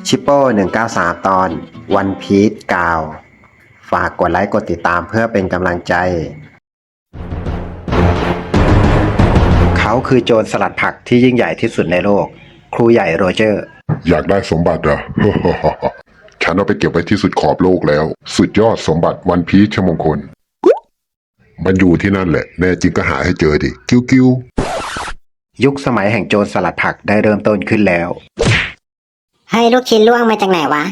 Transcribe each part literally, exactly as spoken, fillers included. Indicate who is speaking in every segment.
Speaker 1: ชิปโป้หนึ่งเก้าสามตอนวันพีซกาวฝากกดไลค์กดติดตามเพื่อเป็นกำลังใจเขาคือโจรสลัดผักที่ยิ่งใหญ่ที่สุดในโลกครูใหญ่โรเจอร์
Speaker 2: อยากได้สมบัติเหรอ ฉันเอาไปเก็บไว้ที่สุดขอบโลกแล้ว สุดยอดสมบัติวันพีชมงคล มันอยู่ที่นั่นแหละแน่จริงก็หาให้เจอดิกิ้วกิ้ว
Speaker 1: ยุคสมัยแห่งโจรสลัดผักได้เริ่มต้นขึ้นแล้ว
Speaker 3: เฮ้ยลูกชิ้นล่วงมาจากไหนวะ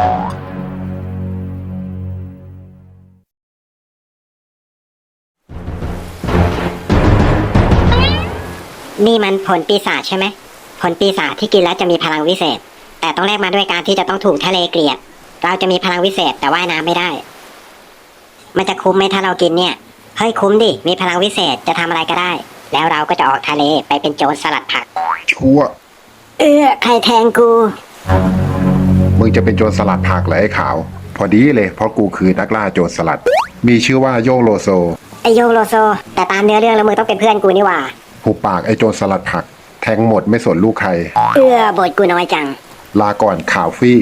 Speaker 3: นี่มันผลปีศาจใช่ไหมผลปีศาจที่กินแล้วจะมีพลังวิเศษแต่ต้องแลกมาด้วยการที่จะต้องถูกทะเลเกลียดเราจะมีพลังวิเศษแต่ว่ายน้ำไม่ได้มันจะคุ้มไหมถ้าเรากินเนี่ยเฮ้ยคุ้มดิมีพลังวิเศษจะทำอะไรก็ได้แล้วเราก็จะออกทะเลไปเป็นโจรสลัดผัก
Speaker 2: ชั่ว
Speaker 3: เออใครแทงกู
Speaker 1: มึงจะเป็นโจรสลัดผักเหรอไอ้ขาวพอดีเลยเพราะกูคือนักล่าโจรสลัดมีชื่อว่าโยงโลโซ
Speaker 3: ไอโยงโลโซแต่ตามเนื้อเรื่องแล้วมึงต้องเป็นเพื่อนกูนี่หว่า
Speaker 1: หุบปากไอ้โจรสลัดผักแทงหมดไม่สนลูกใคร
Speaker 3: เอื้อบทกูน้อยจัง
Speaker 1: ลาก่อนข่าวฟี่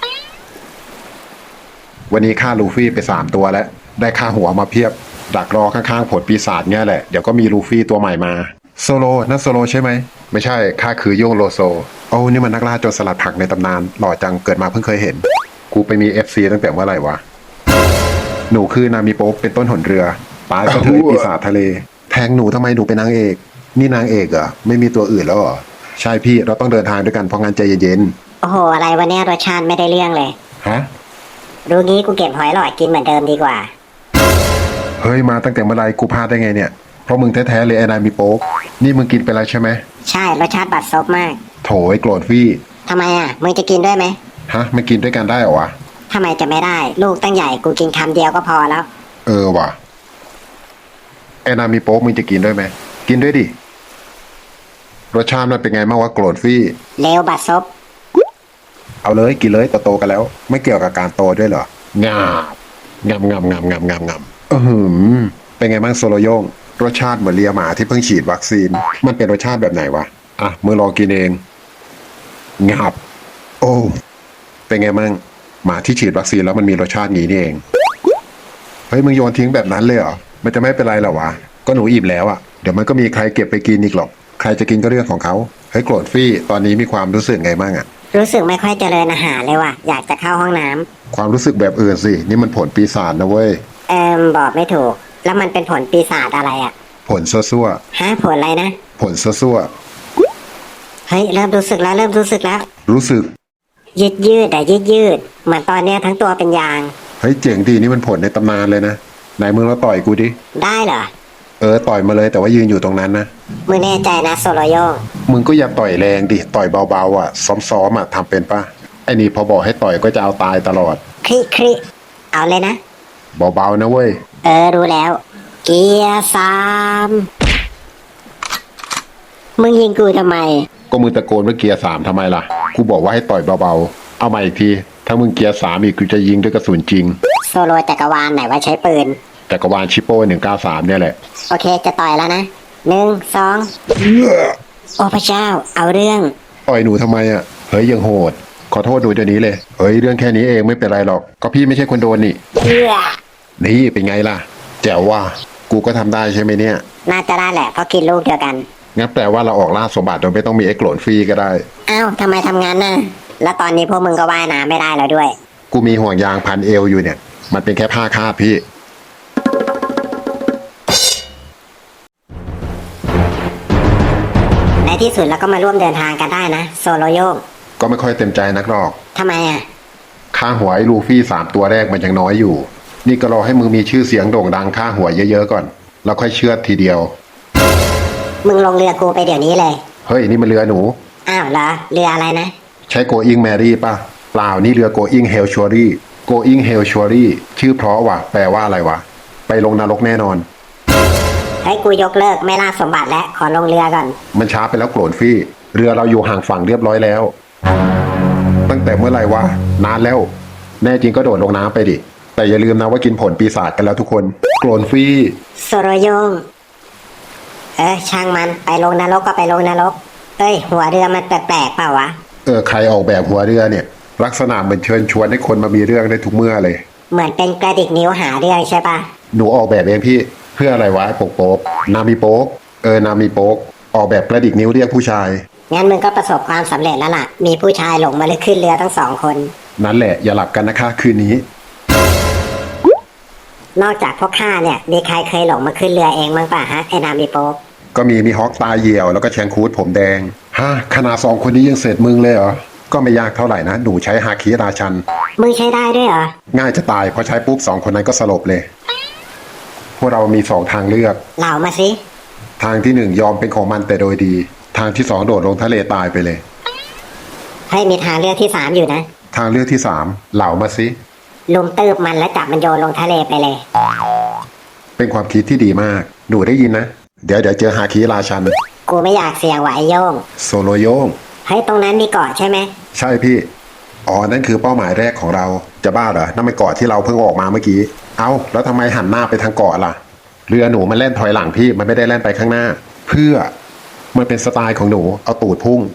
Speaker 1: วันนี้ฆ่าลูฟี่ไปสามตัวแล้วได้ฆ่าหัวมาเพียบดักรอข้างๆผลปีศาจเงี้ยแหละเดี๋ยวก็มีลูฟี่ตัวใหม่มาโซโลนั่นโซโลใช่ไหมไม่ใช่ข้าคือโยงโลโซโอ้นี่มันนักล่าโจรสลัดผักในตำนานหล่อจังเกิดมาเพิ่งเคยเห็นกูไปมี เอฟ ซี ตั้งแต่เมื่อไหร่วะหนูคือนามิโป๊เป็นต้นหนเรือตายก็เถอะปีศาจทะเลแทงหนูทำไมหนูเป็นนางเอกนี่นางเอกเหรอไม่มีตัวอื่นแล้วเหรอใช่พี่เราต้องเดินทางด้วยกันเพราะงั้นใจเย็น
Speaker 3: ๆโอ้โหอะไรวะเนี่ยรสชาติไม่ได้เรื่องเลย
Speaker 1: ฮะ
Speaker 3: รู้งี้กูเก็บหอยหลอดกินเหมือนเดิมดีกว่า
Speaker 1: เฮ้ยมาตั้งแต่เมื่อไรกูพลาดได้ไงเนี่ยเพราะมึงแท้ๆเลยไอ้นายมีโป๊กนี่มึงกินไปแล้วใช่ไหม
Speaker 3: ใช่รสชาติบัดซบมาก
Speaker 1: โถไอ้โกรธฟี่
Speaker 3: ทำไมอ่ะมึงจะกินด้วยไหม
Speaker 1: ฮะไม่กินด้วยกันได้เหรอวะ
Speaker 3: ทำไมจะไม่ได้ลูกตั้งใหญ่กูกินคำเดียวก็พอแล้ว
Speaker 1: เออว่ะไอ้นายมีโป๊กมึงจะกินด้วยไหมกินด้วยดิรสชาติมันเป็นไงบ้างวะโกรธฟี่
Speaker 3: เลวบัดซบ
Speaker 1: เอาเลยกินเลยโตๆกันแล้วไม่เกี่ยวกับการโตด้วยเหรองาบงามงามงามงามงามงามเออเป็นไงบ้างโซโลโยงรสชาติเหมือนเลียหมาที่เพิ่งฉีดวัคซีนมันเป็นรสชาติแบบไหนวะอ่ะมึงลองกินเองงับโอ้เป็นไงบ้างหมาที่ฉีดวัคซีนแล้วมันมีรสชาติงี้นี่เองเฮ้ยมึงโยนทิ้งแบบนั้นเลยเหรอมันจะไม่เป็นไรหรอวะก็หนูอิ่มแล้วอ่ะเดี๋ยวมันก็มีใครเก็บไปกินอีกหรอกใครจะกินก็เรื่องของเขาเฮ้ยโกรธฟี่ตอนนี้มีความรู้สึกไงบ้างอ่ะ
Speaker 3: รู้สึกไม่ค่อยเจริญอาหารเลยว่ะอยากจะเข้าห้องน้ำ
Speaker 1: ความรู้สึกแบบอื่นสินี่มันผลปีศาจนะเว้ย
Speaker 3: เอิมบอกไม่ถูกแล้วมันเป็นผลปีศาจอะไรอ่ะ
Speaker 1: ผลซั่ว
Speaker 3: ๆฮะผลอะไรนะ
Speaker 1: ผลซั่ว
Speaker 3: เฮ้ยเริ่มรู้สึกแล้วเริ่มรู้สึกแล้ว
Speaker 1: รู้สึก
Speaker 3: ยืดยืดแต่ยืดยืดเหมือนตอนเนี้ยทั้งตัวเป็นยาง
Speaker 1: เฮ้ยเจ๋งดีนี่มันผลในตำนานเลยนะไหนมึงเราต่อยกูดิ
Speaker 3: ได้เหรอ
Speaker 1: เออต่อยมาเลยแต่ว่ายืนอยู่ตรงนั้นนะ
Speaker 3: มึงแน่ใจนะโซโลโย
Speaker 1: มึงก็อย่าต่อยแรงดิต่อยเบาๆอ่ะซ้อมๆอ่ะทำเป็นปะไอ้นี่พอบอกให้ต่อยก็จะเอาตายตลอด
Speaker 3: คลิคลิเอาเลยนะ
Speaker 1: เบาๆนะเว้ย
Speaker 3: เออรู้แล้วเกียร์สามมึงยิงกูทำไม
Speaker 1: ก็มึงตะโกนว่าเกียร์สามทำไมล่ะกูบอกว่าให้ต่อยเบาๆเอามาอีกทีถ้ามึงเกียร์สามอีกกูจะยิงด้วยกระสุนจริง
Speaker 3: โซโลจักรวาลไหนว่าใช้ปืน
Speaker 1: จักรวาลชิปโป้หนึ่งเก้าสามเนี่ยแหละ
Speaker 3: โอเคจะต่อยแล้วนะหนึ่งสองโอ้พระเจ้าเอาเรื่อง
Speaker 1: ต่อยหนูทำไมอ่ะเฮ้ยยังโหดขอโทษหนูเดี๋ยวนี้เลยเฮ้ยเรื่องแค่นี้เองไม่เป็นไรหรอกก็พี่ไม่ใช่คนโดนนี่
Speaker 3: เอื้อ
Speaker 1: นี่เป็นไงล่ะแจ๋วว่ากูก็ทำได้ใช่ไหมเนี่ย
Speaker 3: น่าจะได้แหละเพราะกินลูกเดียวกัน
Speaker 1: งั้นแปลว่าเราออกล่าสมบัติโดยไม่ต้องมีไอ้โกรธฟรีก็ได้
Speaker 3: อ้าวทำไมทำงานน่ะแล้วตอนนี้พวกมึงก็ว่ายน้ำไม่ได้แล้วด้วย
Speaker 1: กูมีห่วงยางพันเอวอยู่เนี่ยมันเป็นแค่ผ้าคาดพี่
Speaker 3: ในที่สุดเราก็มาร่วมเดินทางกันได้นะโซโลโยง
Speaker 1: ก็ไม่ค่อยเต็มใจนักหรอก
Speaker 3: ทำไมอ่ะ
Speaker 1: ค่าหัวไอ้ลูฟี่สามตัวแรกมันยังน้อยอยู่นี่ก็รอให้มึงมีชื่อเสียงโด่งดังค่าหัวเยอะๆก่อนแล้วค่อยเชื่อทีเดียว
Speaker 3: มึงลงเรือกูไปเดี๋ยวนี้เลย
Speaker 1: เฮ้ยนี่มันเรือหนู
Speaker 3: อ้าวเหรอเรืออะไรนะ
Speaker 1: ใช้ Going Merry ป่ะเปล่านี่เรือ Going Hell Surely Going Hell Surely ชื่อเพราะว่ะแปลว่าอะไรวะไปลงนรกแน่นอน
Speaker 3: ให้กูยกเลิกไม่ล่าสมบัติและขอลงเรือก่อน
Speaker 1: มันช้าไปแล้วโกรธฟี่เรือเราอยู่ห่างฝั่งเรียบร้อยแล้วตั้งแต่เมื่อไหร่วะนานแล้วแน่จริงก็โดดลงน้ำไปดิแต่อย่าลืมนะว่ากินผลปีศาจกันแล้วทุกคนโกรธฟี่
Speaker 3: โซโรโยงเออช่างมันไปลงนรกก็ไปลงนรกเอ้ยหัวเรือมันแปลกๆเปล่าวะ
Speaker 1: เออใครออกแบบหัวเรือเนี่ยลักษณะเหมือนเชิญชวนให้คนมามีเรื่องได้ทุกเมื่อเลย
Speaker 3: เหมือนเป็นกระดิกนิ้วหาเรื่องใช่ปะ
Speaker 1: หนูออกแบบเองพี่เพื่ออะไรวะโป๊กโป๊กนามีโป๊กเออนามีโป๊กออกแบบกระดิกนิ้วเรียกผู้ชาย
Speaker 3: งั้นมึงก็ประสบความสำเร็จแล้วล่ะ มีผู้ชายหลงมาเลยขึ้นเรือทั้งสองคน
Speaker 1: นั่นแหละอย่าหลับกันนะคะคืนนี้
Speaker 3: นอกจากพวกข้าเนี่ย มีใครเคยหลงมาขึ้นเรือเองมั้งป่ะฮะไอ้นามีโป๊ก
Speaker 1: ก็มีมีฮอกตาเหี่ยวแล้วก็แชงคูดผมแดงฮะขนาดสองคนนี้ยังเสร็จมึงเลยเหรอก็ไม่ยากเท่าไหร่นะหนูใช้ฮาคิราชัน
Speaker 3: มึงใช้ได้ด้วยเหรอ
Speaker 1: ง่ายจะตายพอใช้ปุ๊บสองคนนั้นก็สลบเลย พวกเรามีสองทางเลือก
Speaker 3: เหล่ามาสิ
Speaker 1: ทางที่หนึ่งยอมเป็นของมันแต่โดยดี ทางที่สองโดดลงทะเลตายไปเลย
Speaker 3: ให้มีทางเลือกที่สามอยู่นะ
Speaker 1: ทางเลือกที่สามเหล่ามาสิ
Speaker 3: ลุมตืบมันแล้วจับมันโยนลงทะเลไปเลย
Speaker 1: เป็นความคิดที่ดีมากหนูได้ยินนะเดี๋ยวเดี๋ยวเจอฮาคิราชัน
Speaker 3: กูไม่อยากเสี่ยงไหวะไอ้โยง
Speaker 1: โซโลโยง
Speaker 3: เฮ้ยตรงนั้นมีเกาะใช่ไหม
Speaker 1: ใช่พี่อ๋อนั่นคือเป้าหมายแรกของเราจะบ้าเหรอนั่นเป็นเกาะที่เราเพิ่งออกมาเมื่อกี้เอ้าแล้วทำไมหันหน้าไปทางเกาะล่ะเรือหนูมันแล่นถอยหลังพี่มันไม่ได้แล่นไปข้างหน้า เพื่อมันเป็นสไตล์ของหนูเอาตูดพุ่ง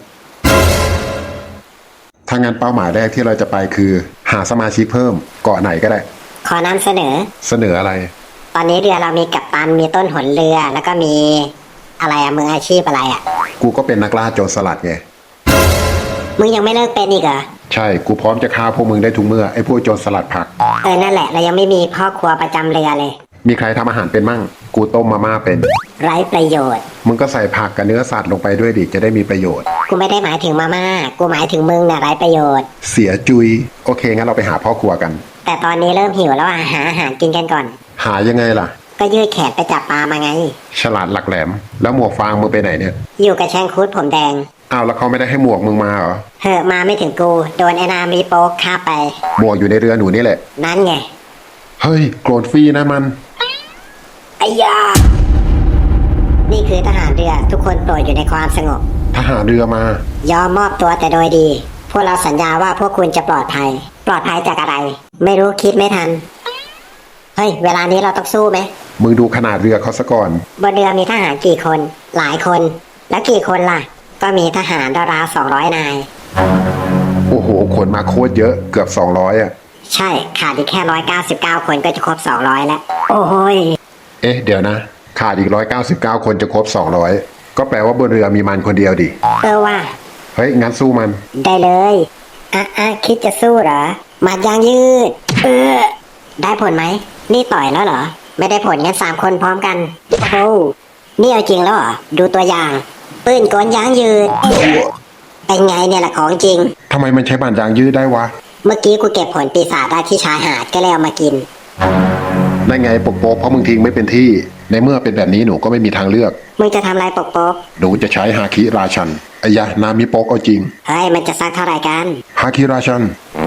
Speaker 1: ถ้างั้นเป้าหมายแรกที่เราจะไปคือ หาสมาชิกเพิ่มเกาะไหนก็ได้
Speaker 3: ขอนำเสนอ
Speaker 1: เสนออะไร
Speaker 3: ตอนนี้เรือเรามีกัปตันมีต้นหนเรือแล้วก็มีอะไรอะมืออาชีพอะไรอะ
Speaker 1: กูก็เป็นนักล่าโจรสลัดไง
Speaker 3: มึงยังไม่เลิกเป็นอีกเหรอ
Speaker 1: ใช่กูพร้อมจะฆ่าพวกมึงได้ทุกเมื่อไอ้พวกโจรสลัดผัก
Speaker 3: เออนั่นแหละเรายังไม่มีพ่อครัวประจำเรือเลย
Speaker 1: มีใครทำอาหารเป็นมั่งกูต้มมาม่าเป็น
Speaker 3: ไร้ประโยชน์
Speaker 1: มึงก็ใส่ผักกับเนื้อสัตว์ลงไปด้วยดิจะได้มีประโยชน์
Speaker 3: กูไม่ได้หมายถึงมาม่ากูหมายถึงมึงน่ะไร้ประโยชน์
Speaker 1: เสียจุยโอเคงั้นเราไปหาพ่อครัวกัน
Speaker 3: แต่ตอนนี้เริ่มหิวแล้วอะหาอาหารกินกันก่อน
Speaker 1: หายังไงล่ะ
Speaker 3: ก็ยืดแขนไปจับปลามาไง
Speaker 1: ฉลาดหลักแหลม แล้วหมวกฟางมึงไปไหนเนี่ย
Speaker 3: อยู่กับแชงคูดผมแดง
Speaker 1: อ้าวแล้วเขาไม่ได้ให้หมวกมึงมาเหรอ
Speaker 3: เฮ้อมาไม่ถึงกูโดนไอ้นามีโป๊กฆ่าไป
Speaker 1: หมวกอยู่ในเรือหนูนี่แหละ
Speaker 3: นั่นไง
Speaker 1: เฮ้ยโกรธฟรีนะมัน
Speaker 3: ไอ้ยานี่คือทหารเรือทุกคนโปรดอยู่ในความสงบ
Speaker 1: ทหารเรือมา
Speaker 3: ยอมมอบตัวแต่โดยดี พวกเราสัญญาว่าพวกคุณจะปลอดภัย ปลอดภัยจากอะไร ไม่รู้คิดไม่ทัน เฮ้ย เวลานี้เราต้องสู้ไหม
Speaker 1: มึงดูขนาดเรือเขาซะก่อน
Speaker 3: บนเรือมีทหารกี่คน หลายคน แล้วกี่คนล่ะ ก็มีทหารราวๆสองร้อยนาย
Speaker 1: โอ้โหขนมาโคตรเยอะเกือบสองร้อยอ่ะ
Speaker 3: ใช่ขาดอีกแค่ร้อยเก้าสิบเก้าคนก็จะครบสองร้อยแล้ว โอ้โหย
Speaker 1: เอ๊ะเดี๋ยวนะขาดอีกร้อยเก้าสิบเก้าคนจะครบสองร้อยก็แปลว่าบนเรือมีมันคนเดียวดิ
Speaker 3: เออว่า
Speaker 1: เฮ้ยงั้นสู้มัน
Speaker 3: ได้เลยอ่ะอ่ะคิดจะสู้เหรอหมัดยางยืด เออ ได้ผลไหม นี่ต่อยแล้วเหรอ ไม่ได้ผลงั้นสามคนพร้อมกัน โอ้โห นี่เอาจริงแล้วเหรอ ดูตัวอย่าง ปืนกลยางยืด เป็นไงเนี่ยแหละของจริง
Speaker 1: ทำไมมันใช้บานยางยืดได้วะ
Speaker 3: เมื่อกี้กูเก็บผลปีศาจได้ที่ชายหาดก็เลยเอามากิน
Speaker 1: ได้ไงปกโป๊กเพราะมึงทิ้งไม่เป็นที่ ในเมื่อเป็นแบบนี้หนูก็ไม่มีทางเลือก
Speaker 3: มึงจะทำอะไรปกปก
Speaker 1: หนูจะใช้ฮาคิราชันไอ้ยะนามิโป๊กเอาจริง
Speaker 3: เฮ้ย มันจะซักเท่าไหร่กัน
Speaker 1: ฮาคิราชัน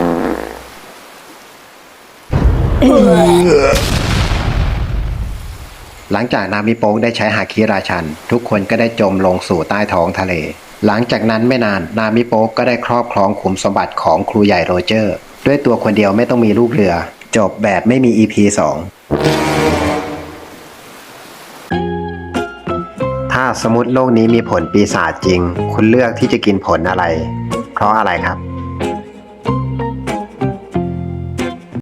Speaker 4: หลังจากนามิโป๊กได้ใช้ฮาคิราชัน ทุกคนก็ได้จมลงสู่ใต้ท้องทะเล หลังจากนั้นไม่นานนามิโป๊กก็ได้ครอบครองขุมสมบัติของครูใหญ่โรเจอร์ ด้วยตัวคนเดียวไม่ต้องมีลูกเรือ จบแบบไม่มี อี พี สอง ถ้าสมมติโลกนี้มีผลปีศาจจริง คุณเลือกที่จะกินผลอะไร เพราะอะไรครับ